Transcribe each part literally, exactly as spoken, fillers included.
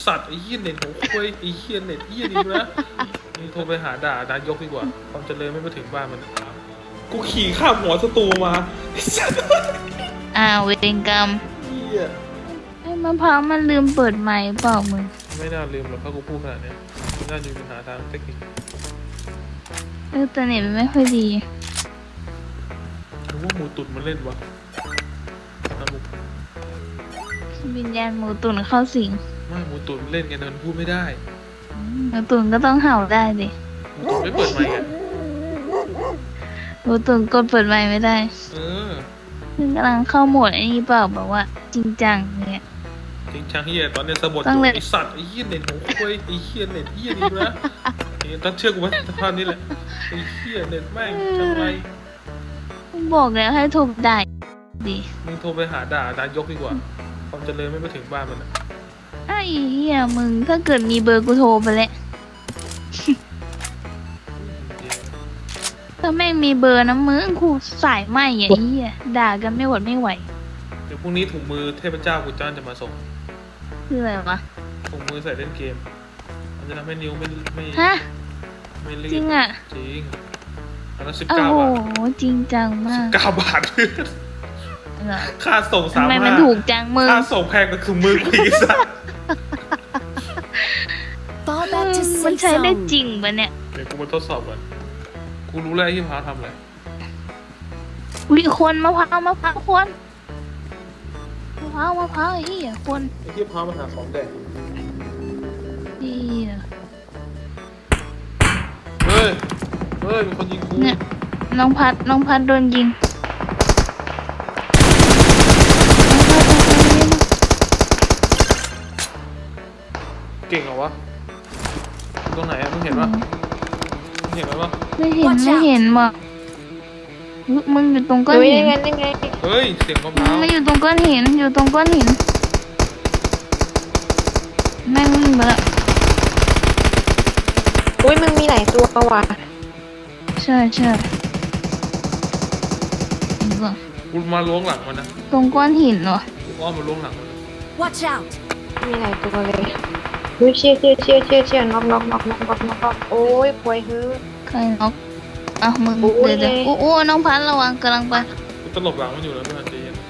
สัตว์ไอ้เหี้ยเน็ตของคุยไอ้เหี้ยเน็ตเหี้ยนี่นะนี่โทรไปหาด่านายกดีกว่าความเจริญไม่มาถึงบ้านมันกูขี่ข้ามหัวศัตรูมาไอ้สัตว์อ้าวเวรกรรมเหี้ยไอ้มะพร้าวมันลืมเปิดไมค์เปล่ามึงไม่น่าลืมหรอกถ้ากูพูดขนาดนี้น่าจะมีปัญหาทางเทคนิคเออแต่เน็ตมันไม่ค่อยดีหรือว่าหมูตุ๋นมันเล่นวะน้ำหมูวิญญาณหมูตุ๋นเข้าสิงไม่หมูตุ๋นเล่นไงแต่มันพูดไม่ได้หมูตุ๋นก็ต้องเห่าได้ดิหมูตุ๋นไม่เปิดไมค์อ่ะหมูตุ๋นกดเปิดไมค์ไม่ได้เออมึงกำลังเข้าโหมดไอ้นี่เปล่าแบบว่า จริงจังเนี่ยจริงจังเฮียตอนนี้สะบดอต้องยู่เล่นไอสัตว์ไอเฮียเน็ตของคุยไอเฮียเน็ตเฮียนี่นะนี่ต้องเชื่อกูไหมสภาพนี้แหละไอเฮียเน็ตแม่งทำไมมึงบอกแล้วให้โทรได้ดิมึงโทรไปหาด่านายกดีกว่าความเจริญไม่มาถึงบ้านมันอะไอ้เหี้ยมึงถ้าเกิดมีเบอร์กูโทรไปแล้วถ้าแม่งมีเบอร์นะมึงกูสายไหมไอ้เหี้ยด่ากันไม่หวดไม่ไหวเดี๋ยวพรุ่งนี้ถุงมือเทพเจ้ากูจ้านจะมาส่งคืออะไรวะถุงมือใส่เล่นเกมมันจะทำให้นิ้วไม่ไม่ฮะไม่รีบจริงอ่ะจริงอันนั้นสิบโอ้เก้าโหบาทจริงจังมากเก้าบาทเหรอค่าส่งสาทำมไมห้ามันถูกจังมึงค่าส่งแพงก็คือมือกูอีสัตว์ Fall back to มัน safe ใช้ได้จ zone. ริงปะเนี่ยเดี๋ยวกูมาทดสอบก่อนกูรู้แล้วไอ้ที่พาทำอะไรวิคนมะพร้าวมะพร้าวคนมะพร้าวมะพร้าวไอ้เหี้ยคนไอ้ที่พามาหาของแดกเหี้ยเฮ้ย เฮ้ยมีคนยิงกูเนี่ยน้องพัดน้องพัดโดนยิงเก่งเหรอวะตรงไหนอะมึงเห็นปะมึงเห็นไหมวะไม่เห็นไม่เห็นว่ะอุ๊ยมึงอยู่ตรงก้อนเฮ้ยหินยังไงยังไงเฮ้ย เสียงมะพมึร้าง วไม่อยู่ตรงก้อนหินอยู่ตรงก้อนหินแม่งวิ่งมาแล้วอุ้ยมึงมีหลายตัวว่ะใช่ใช่นี่ก่อนกูมาล้วงหลังมันนะตรงก้อนหินเหรอกูอ้อมมาล้วงหลังมันนะ Watch out มีหลายตัวเลยอุ้ยเชี่ยเชี่ยเชี่ยเชี่ยเชี่ยน็อกน็อกน็อกน็อกน็อกน็อกน็อกโอ้ยป่วยเฮ้ยใครน็อกอ่ะมึงโอ้ยเดี๋ยวเดี๋ยวโอ้โอ้น้องพัดระวังกำลังไปกูตลบหลังมันอยู่แล้วไม่ทันใจเย็น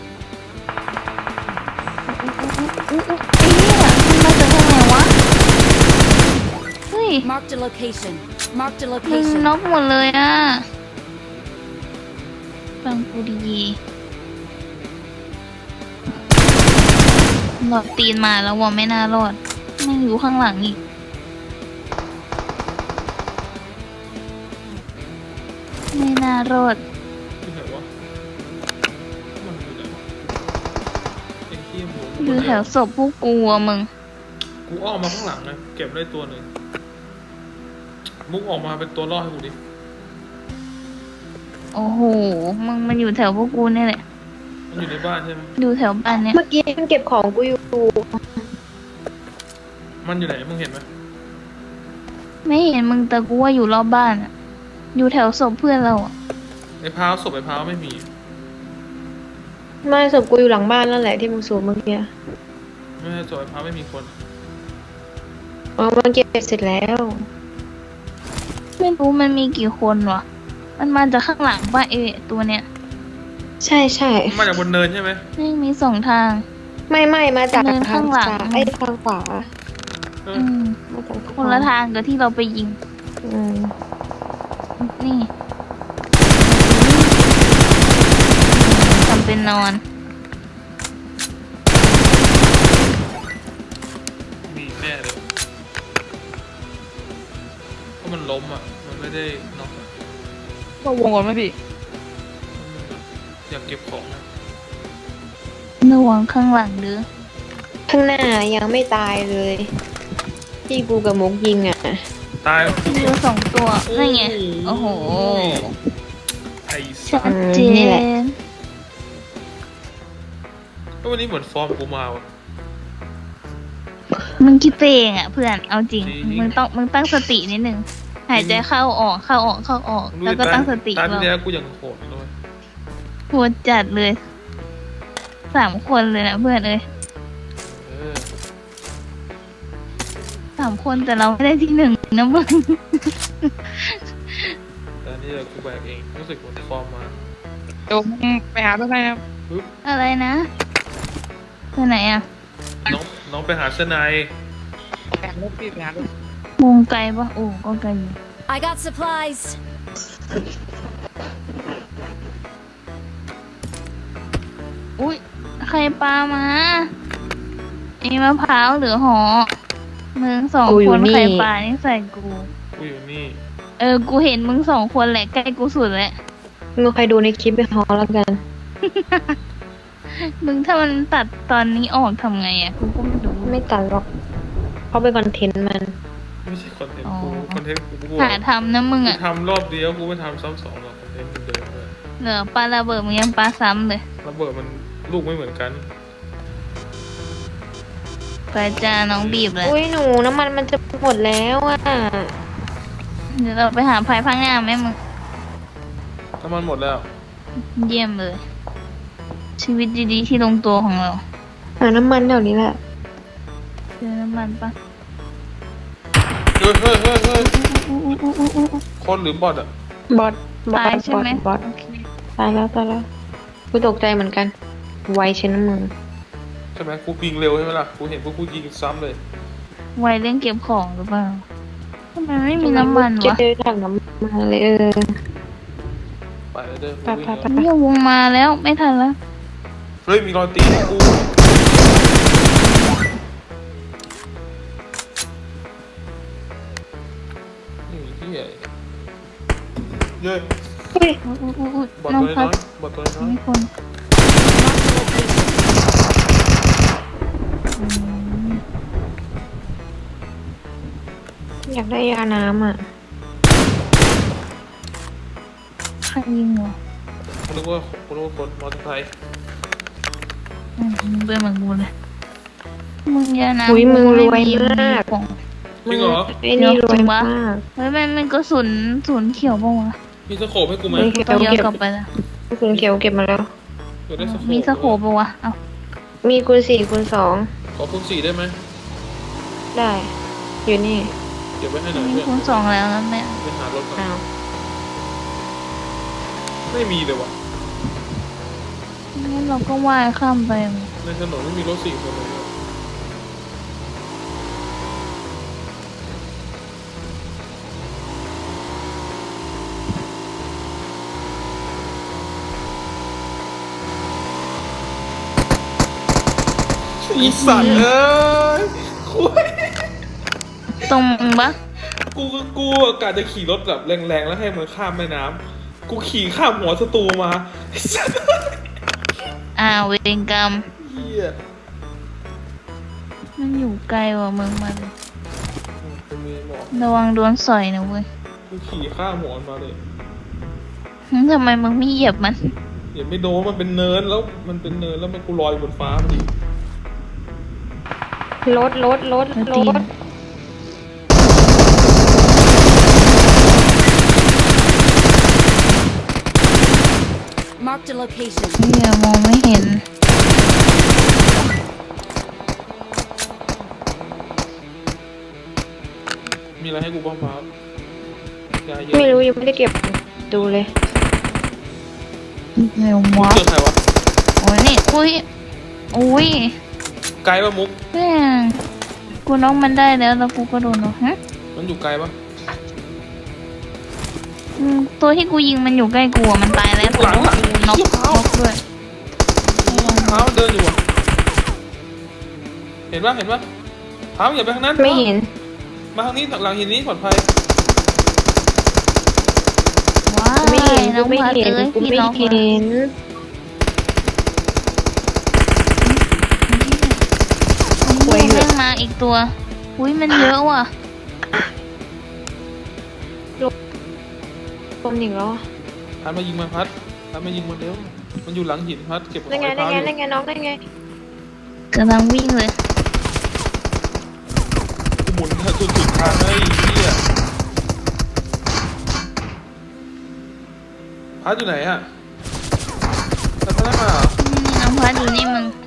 อุ๊ยอุ๊ยไอ้เหี้ยมันมาจากทางไหนวะเฮ้ย Marked a location. Marked a มึง location. น็อกหมดเลยอ่ะฟังกูดีๆหลอดตีนมาแล้วว่าไม่น่ารอดแม่งอยู่ข้างหลังอีกไม่น่ารอดที่ไหนวะมันอยู่ไหนวะไอ้เหี้ยหมูอยู่แถวศพพวกกูอะมึงกูอ้อมมาข้างหลังไงเก็บได้ตัวหนึ่งมุกออกมาเป็นตัวล่อให้กูดิโอ้โหมึงมันอยู่แถวพวกกูนี่แหละมันอยู่ในบ้านใช่ไหมอยู่แถวบ้านเนี้ยเมื่อกี้มันเก็บของกูอยู่มันอยู่ไหนมึงเห็นไหมไม่เห็นมึงแต่กูว่าอยู่รอบบ้านอะอยู่แถวศพเพื่อนเราอะไอ้พร้าวศพไอ้พร้าวไม่มีไม่ศพกูอยู่หลังบ้านนั่นแหละที่มึงสูบเมื่อกี้ไม่ใช่ศพไอ้พร้าวไม่มีคนอ๋อมันเก็บเสร็จแล้วไม่รู้มันมีกี่คนวะมันมาจากข้างหลังป่ะเอตัวเนี้ยใช่ใช่มาจากบนเนินใช่ไหมไม่มีสองทางไม่ไม่มาจากเดินทาข้าง งหลังซ้ายไอ้ทางขวาเอออืมมาจากคนละทางกับที่เราไปยิงอืมนี่ทำเป็นนอนมีแน่เลยเพราะมันล้มอ่ะ มันไม่ได้น็อกอะก็วงก่อนไหมพี่อยากเก็บของนะระวังข้างหลังเด้อข้างหน้ายังไม่ตายเลย ที่กูกับมุกยิงอ่ะตายมีอยู่สองตัวนั่นไงโอ้โหไอ้สัชัสดเจนี่แหละนก็วันนี้เหมือนฟอร์มกูมาว่ะมึงคิดไปเองอ่ะเพื่อนเอาจริงจริงมึงต้องมึงตั้งสตินิดนึงหายใจเข้าออกเข้าออกเข้าออก แล้วก็ตั้งสติตาที่เราแล้วกูยังโหดเลยโหดจัดเลยสามคนเลยนะเพื่อนเอ้ยเออสามคนแต่เราไม่ได้ที่หนึ่งนะมึงแต่อันนี่เดี๋ยวกูแบกเองรู้สึกเหมือนฟอร์มมาโดมไปหาตัวไหนครับปึ๊บอะไรนะไปไหนอ่ะน้องน้องไปหาเสื้อในแบกรถพี่ไปหารถวงไกลปะโอ้ก็ไกลอยู่ I got supplies. อุ้ยใครปามาไอ้มะพร้าวหรือหอมึงสองคนใครปานี่ใส่กูกูอยู่นี่เออกูเห็นมึงสองคนแหละใกล้กูสุดแล้วมึงใครดูในคลิปไปฮอแล้วกันมึงถ้ามันตัดตอนนี้ออกทำไงอ่ะกูก็ไม่รู้ไม่ตัดหรอกเขาเป็นคอนเทนต์มันไม่ใช่คอนเทนต์อ๋อกูคอนเทนต์กูกูหาทำนะมึงกูอ่ะทำรอบเดียวกูไม่ทำซ้ำสองหรอกคอนเทนต์เดิมๆเลยเหลือปลาระเบิดมึงยังปลาซ้ำเลยระเบิดมันลูกไม่เหมือนกันไปจ้าน้องบีบเลยอุ้ยหนูน้ำมันมันจะหมดแล้วอ่ะเดี๋ยวเราไปหาไผ่พังงามไหมมึงน้ำมันหมดแล้วเยี่ยมเลย ชีวิตดีๆที่ลงตัวของเราหาน้ำมันแถวนี้แหละเจอน้ำมันปะเฮ้ยเฮ้ยเฮ้ยเฮ้ยอู้อู้อู้อู้อู้คนหรือบอทอ่ะบอสบอตายสใช่บอสไหมบอสโอเคตายแล้วตายแล้วกูตกใจเหมือนกัน ไวเช่นน้ำมึงใช่ไหมกูยิงเร็วใช่ไหมล่ะกูเห็นพวกกูยิงซ้ำเลยไวเรื่องเก็บของหรือเปล่าทำไมไม่มีน้ำมันวะเจอถังน้ำมันเลยเออไปเลยเด้อไปไปไปเนี่ยวงมาแล้วไม่ทันแล้วเฮ้ยมีรอยตีนให้กูนี่ที่ใหญ่เย้ยอุ้ยอู้อู้อู้อู้บอทน้องตัวพัน้ดอยบอทตัวน้อยมีคน Marked a location. อืมอยากได้ยาน้ำอ่ะใครยิงวะกูนึกว่ากูนึกว่าคนมอเตอร์ไซค์อืมมึงเป็นเหมือนกูเลยมึงอย่านะอุ๊ยมึงรวยไมากของจริงเหรอไอ้นี่รวยมากเฮ้ยมันมันกระสุนศูนย์เขียวป่าวะมีสโคปให้กูไหมเฮ้ยต้องย้อนกลับไปละคุณเขียวเก็บมาแล้วเดี๋ยวได้สโคปมีสโคปป่าวะเอ้ามีคูณสี่คูณสองขอคูณสี่ได้ไหมได้ อยู่นี่เก็บไว้ให้หน่อยมีเพื่อนคูณสองแล้วนะแม่ไปหารถก่อนอ้าวไม่มีเลยว่ะงั้นเราก็ว่ายข้ามไปในถนนไม่มีรถสี่คนเลยเนี่ยอีสัตว์เอ้ยคุยตรงมึงปะกูก็กูกะจะขี่รถแบบแรงๆแล้วให้มันข้ามแม่น้ำกูขี่ข้ามหัวศัตรูมาไอ้สัตว์อ้าวเวรกรรมเหี้ยมันอยู่ไกลกว่ามึงมาเลยกูมีหมอกระวังโดนสอยนะเว้ยกูขี่ข้ามหัวมันมาเลยหึทำไมมึงไม่เหยียบมันอย่าไม่โดนมันเป็นเนินแล้วมันเป็นเนินแล้วมันกูลอยบนฟ้ามันดิรถรถรถแล้วรตีนถ Marked a location. เฮียมองไม่เห็นมีอะไรให้กูบ้างครับยาเยอะไม่รู้ยังไม่ได้เก็บดูเลยเร็ววะเจอใครวะโอ้ยนี่อุ้ยอุ้ยไกลปะมุกแม่งกูน้องมันได้แล้วแล้วกูก็โดนเนาะฮะมันอยู่ไกลปะอืมตัวที่กูยิงมันอยู่ใกล้กูอะมันตายแล้วตัวนู้นน็อกน็อกด้วยเท้ามันเดินอยู่อะเห็นปะเห็นปะเท้าอย่าไปทางนั้นไม่เห็นมาทางนี้หลังหินนี้ปลอดภัยว้ายไม่เห็นน้กูองไม่พัดเห็นเอ้ยกูพี่ไม่น้องเห็นโอ้ยแม่งมาอีกตัวอุ้ยมันเยอะว่ะตมหนิงแล้วอะพัดมายิงมันพัดพัดมายิงมันเร็วมันอยู่หลังหินพัดเก็บของนั่นไงไอ้นั่เท้าน อไงยู่นั่นไงน้องนั่นไงกำลังวิ่งเลยกูหมุนจนสุดทางเลยไอ้เหี้ยพัดอยู่ไหนอะพัดมาได้มาเหรอนี่น้องพัดอยู่นี่มึง